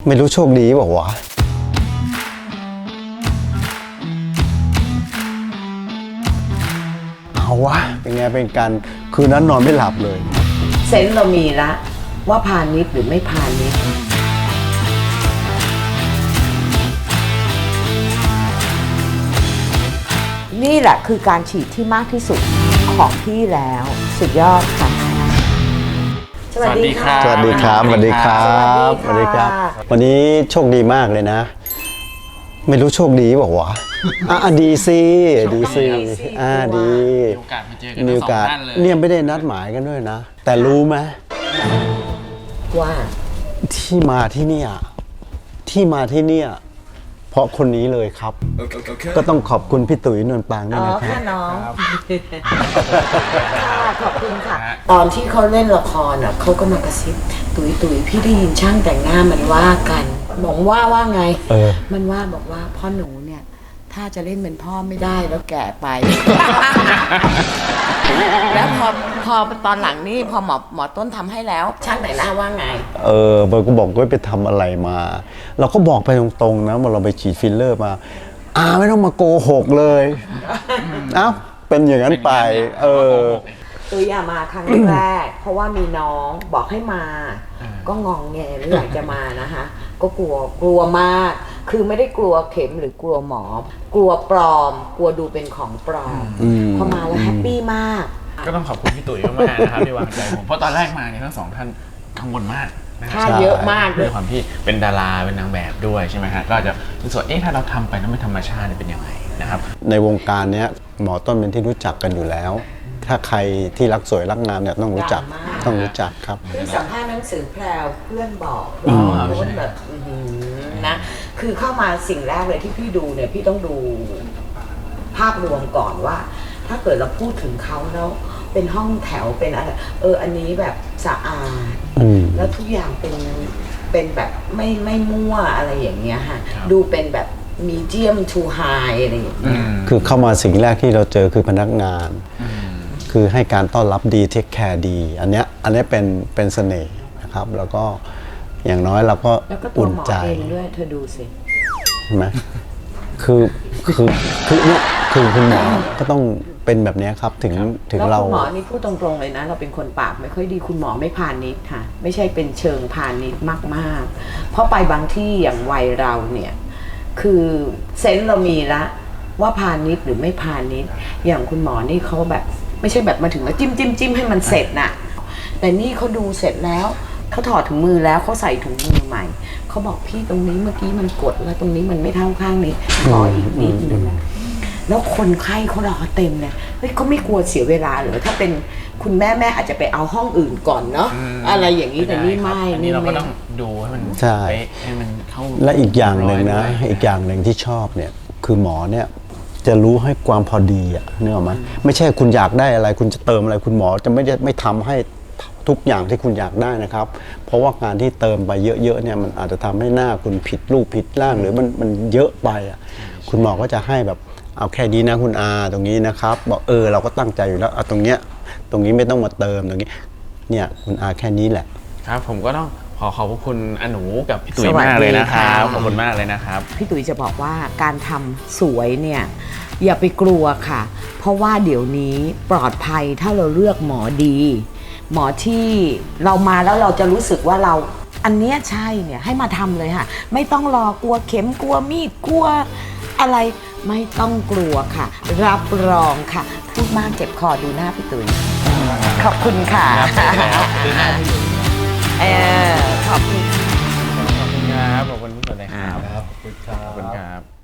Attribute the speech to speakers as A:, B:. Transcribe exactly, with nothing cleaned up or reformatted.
A: ไม่รู้โชคดีบอกวะเอาวะเป็นไงเป็นการคืนนั้นนอนไม่หลับเลย
B: เซนส์เรามีละว่าพาณิชย์หรือไม่พาณิชย์นี่แหละคือการฉีดที่มากที่สุดของพี่แล้วสุดยอดค่ะ
C: สวัสดีครับ
A: สวัสดีครับสวัสดีครับสวัสดีครับวันนี้โชคดีมากเลยนะ ไม่รู้โชคดีบอกวะอ่ะดีสิดีสิอ่าดี
C: มีโอกาสมาเจอกันทั้งสองท่านเลย
A: เนี่ยไม่ได้นัดหมายกันด้วยนะแต่รู้ไหม
B: ว่า
A: ที่มาที่เนี่ยที่มาที่เนี่ยเพราะคนนี้เลยครับ ก็ต้องขอบคุณพี่ตุ๋ยนวลปางด้วยนะครับ
B: อ๋อน้องขอบคุณค่ะตอนที่เขาเล่นละครอ่ะเขาก็มากระซิบตุ๋ยตุ๋ยพี่ได้ยินช่างแต่งหน้ามันว่ากันบอกว่าว่าไงมันว่าบอกว่าพ่อหนูเนี่ยถ้าจะเล่นเป็นพ่อไม่ได้แล้วแก่ไป แล้วพอพอตอนหลังนี่พอหมอหมอต้นทำให้แล้วช่างแต่งหน้าว่าไง
A: เออเบอร์ก็บอกว่าไปทำอะไรมา เราก็บอกไปตรงๆนะว่าเราไปฉีดฟิลเลอร์มาอ่าไม่ต้องมาโกหกเลยเอ้าเป็นอย่างนั้นไปเออ
B: ตัวอย่ามาครั้งแรกเพราะว่ามีน้องบอกให้มาก็งองแงไม่อยากจะมานะคะก็กลัวกลัวมากคือไม่ได้กลัวเข็มหรือกลัวหมอกลัวปลอมกลัวดูเป็นของปลอมพอมาแล้วแฮปปี้มาก
C: ก็ต้องขอบคุณพี่ตุ๋ยมากๆนะครับที่วางใจผมเพราะตอนแรกมาเนี่ยทั้งสองท่านกังวลมาก
B: ค่าเยอะมาก
C: ด้วยความที่เป็นดาราเป็นนางแบบด้วยใช่ไหมฮะก็จะรู้สึกเอ๊ะถ้าเราทำไปแล้วไม่ธรรมชาติเป็นยังไงนะครับ
A: ในวงการเนี้ยหมอต้นเป็นที่รู้จักกันอยู่แล้วถ้าใครที่รักสวยรักงามเนี่ยต้องรู้จักต้องรู้จักครับ
B: คือสัมภาษณ์หนังสือแพรวเพื่อนบอกว่าแบบนะคือเข้ามาสิ่งแรกเลยที่พี่ดูเนี่ยพี่ต้องดูภาพรวมก่อนว่าถ้าเกิดเราพูดถึงเขาแล้วเป็นห้องแถวเป็นอะไรเอออันนี้แบบสะอาดแล้วทุกอย่างเป็นเป็นแบบไม่ไม่มั่วอะไรอย่างเงี้ยฮะดูเป็นแบบมีเดียมทูไฮอะไรอย่างเงี้ย
A: คือเข้ามาสิ่งแรกที่เราเจอคือพนักงานคือให้การต้อนรับดีเทคแคร์ดีอันเนี้ยอันนี้เป็นเป็นเสน่ห์นะครับแล้วก็อย่างน้อยเราก็อุ่นใจ
B: ด้วยเธอดูสิ
A: ใช่ไหมคือคือคือเนี่ยคือคุณหมอก็ต้องเป็นแบบนี้ครับถึงถึงเรา
B: คุณหมอนี่พูดตรงๆเลยนะเราเป็นคนปากไม่ค่อยดีคุณหมอไม่พาณิชย์ค่ะไม่ใช่เป็นเชิงพาณิชย์มากๆเพราะไปบางที่อย่างวัยเราเนี่ยคือเซนส์เรามีละว่าพาณิชย์หรือไม่พาณิชย์อย่างคุณหมอนี่เขาแบบไม่ใช่แบบมาถึงแล้วจิ้มจิ้มจิ้มให้มันเสร็จน่ะแต่นี่เขาดูเสร็จแล้วเขาถอดถุงมือแล้วเขาใส่ถุงมือใหม่เขาบอกพี่ตรงนี้เมื่อกี้มันกดแล้วตรงนี้มันไม่เท่าข้างนี้ขออีกนิดนึงแล้วคนไข้เขารอเต็มเลยเฮ้ยเขาไม่กลัวเสียเวลาหรือถ้าเป็นคุณแม่แม่อาจจะไปเอาห้องอื่นก่อนเนาะอะไรอย่างนี้แต่นี่ไม่
C: นี่เราก็ต้องดูให้มัน
A: ใช่
C: ให้มันเข้า
A: และอีกอย่างหนึ่งนะอีกอย่างหนึ่งที่ชอบเนี่ยคือหมอเนี่ยจะรู้ให้ความพอดีอ่ะนึกออกไหมไม่ใช่คุณอยากได้อะไรคุณจะเติมอะไรคุณหมอจะไม่ได้ไม่ทำให้ทุกอย่างที่คุณอยากได้นะครับเพราะว่าการที่เติมไปเยอะๆเนี่ยมันอาจจะทำให้หน้าคุณผิดรูปผิดร่างหรือมันมันเยอะไปอ่ะคุณหมอก็จะให้แบบเอาแค่นี้นะคุณอาตรงนี้นะครับบอกเออเราก็ตั้งใจอยู่แล้วเอาตรงเนี้ยตรงนี้ไม่ต้องมาเติมตรงนี้เนี่ยคุณอาแค่นี้แหละ
C: ครับผมก็ต้องขอขอบคุณอนูกับพี่ตุ๋ยมากเลยนะครับขอบคุณมากเลยนะครับ
B: พี่ตุ๋ยจะบอกว่าการทำสวยเนี่ยอย่าไปกลัวค่ะเพราะว่าเดี๋ยวนี้ปลอดภัยถ้าเราเลือกหมอดีหมอที่เรามาแล้วเราจะรู้สึกว่าเราอันเนี้ยใช่เนี่ยให้มาทำเลยค่ะไม่ต้องรอกลัวเข็มกลัวมีดกลัวอะไรไม่ต้องกลัวค่ะรับรองค่ะพูดมากเจ็บคอดูหน้าพี่ตุ๋ยขอบคุณค่ะเออขอบคุณ
C: ขอบคุณครับขอบคุณทุกคนเลยครับขอบคุณครับ